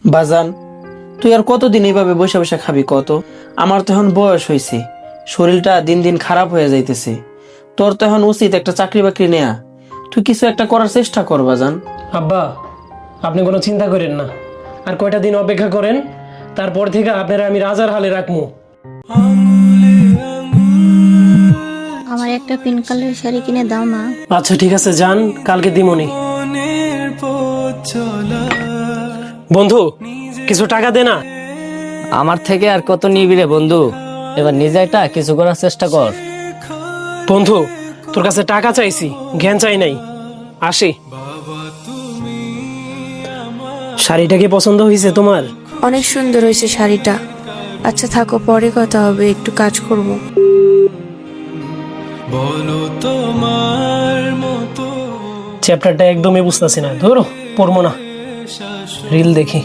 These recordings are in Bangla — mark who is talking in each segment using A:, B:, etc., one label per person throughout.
A: বাজান, তুই আর কতদিন এইভাবে বসে বসে খাবি কত? আমার তো এখন বয়স হয়েছে, শরীরটা দিন দিন খারাপ হয়ে যাইতেছে। তোর তো এখন উচিত একটা চাকরি বাকরি নেয়া। তুই কিছু একটা করার চেষ্টা কর বাজান।
B: আব্বা, আপনি কোনো চিন্তা করেন না, আর কয়টা দিন অপেক্ষা করেন, তারপর থেকে আপনারা আমি রাজার হালে রাখবো।
C: আমার একটা পিঙ্ক কালারের শাড়ি কিনে দাও না।
B: আচ্ছা ঠিক আছে, যান, কালকে দিমনি। বন্ধু, কিছু টাকা দে না।
D: আমার থেকে আর কত নিবি রে বন্ধু? এবার নিজে একটা কিছু করার চেষ্টা কর।
B: বন্ধু, তোর কাছে টাকা চাইছি, জ্ঞান চাই নাই। আসি। শাড়িটা কি পছন্দ হয়েছে তোমার?
E: অনেক সুন্দর হয়েছে শাড়িটা। আচ্ছা থাকো, পরে কথা হবে, একটু কাজ করব।
B: চ্যাপ্টারটা একদমই বুঝতেছি না, ধরো পড়বো না, রিল দেখি।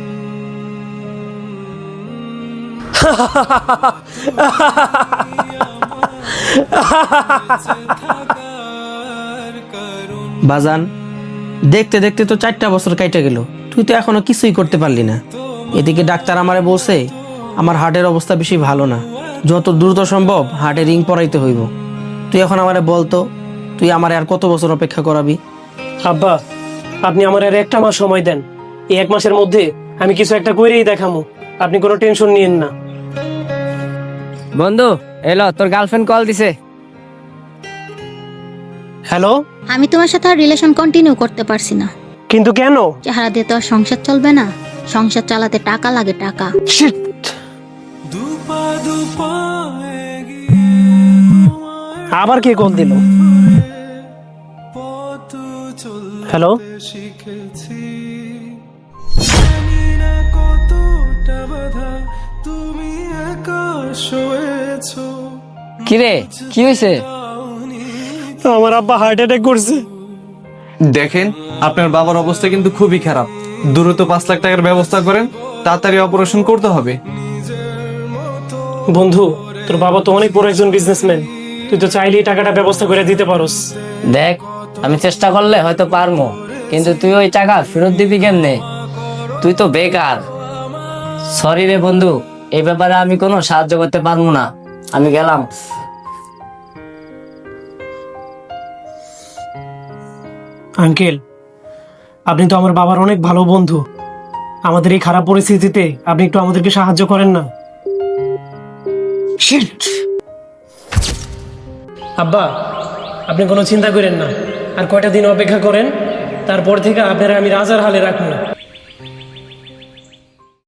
A: বাজান, দেখতে দেখতে তো 4টা বছর কাইটা গেল, তুই তো এখনো কিছুই করতে পারলি না। এদিকে ডাক্তার আমারে বলছে আমার হার্টের অবস্থা বেশি ভালো না, যত দ্রুত সম্ভব হার্টে রিং পরাইতে হইব। তুই এখন আমারে বলতো, তুই আমারে আর কত বছর অপেক্ষা করাবি?
B: আব্বা, আপনি আমার আর একটা মাস সময় দেন। এই 1 মাসের মধ্যে আমি কিছু একটা করেই দেখামু, আপনি কোনো টেনশন নিয়েন না।
D: বন্ধু এলো, তোর গার্লফ্রেন্ড কল দিছে।
B: হ্যালো।
C: আমি তোমার সাথে আর রিলেশন কন্টিনিউ করতে পারছি না।
B: কিন্তু কেন?
C: চেহারা দিয়ে তো আর সংসার চলবে না, সংসার চালাতে টাকা লাগে, টাকা।
B: Shit! আবার কে কল দিল? হ্যালো।
D: কিরে, কি হয়েছে?
B: আমার আব্বা হার্ট অ্যাটাক করছে।
F: দেখেন, আপনার বাবার অবস্থা কিন্তু খুবই খারাপ। দ্রুত 5 লাখ টাকার ব্যবস্থা করেন, তাড়াতাড়ি অপারেশন করতে হবে।
B: বন্ধু, তোর বাবা তো অনেক বড় একজন বিজনেসম্যান, তুই তো চাইলেই টাকাটা ব্যবস্থা করে দিতে পারোস।
D: দেখ, আমি চেষ্টা করলে হয়তো পারবো, কিন্তু তুই ওই টাকা ফেরত দিবি কেমনে? তুই তো বেকার। সরি রে বন্ধু, এই ব্যাপারে আমি কোনো সাহায্য করতে পারবো না। আমি গেলাম।
B: আঙ্কেল, আপনি তো আমার বাবার অনেক ভালো বন্ধু। আমাদের এই খারাপ পরিস্থিতিতে আপনি একটু আমাদেরকে সাহায্য করেন না। Shit! আব্বা, আপনি কোনো চিন্তা করেন না, আর কয়টা দিন অপেক্ষা করেন, তারপর থেকে আপনারা আমি রাজার হালে রাখবো।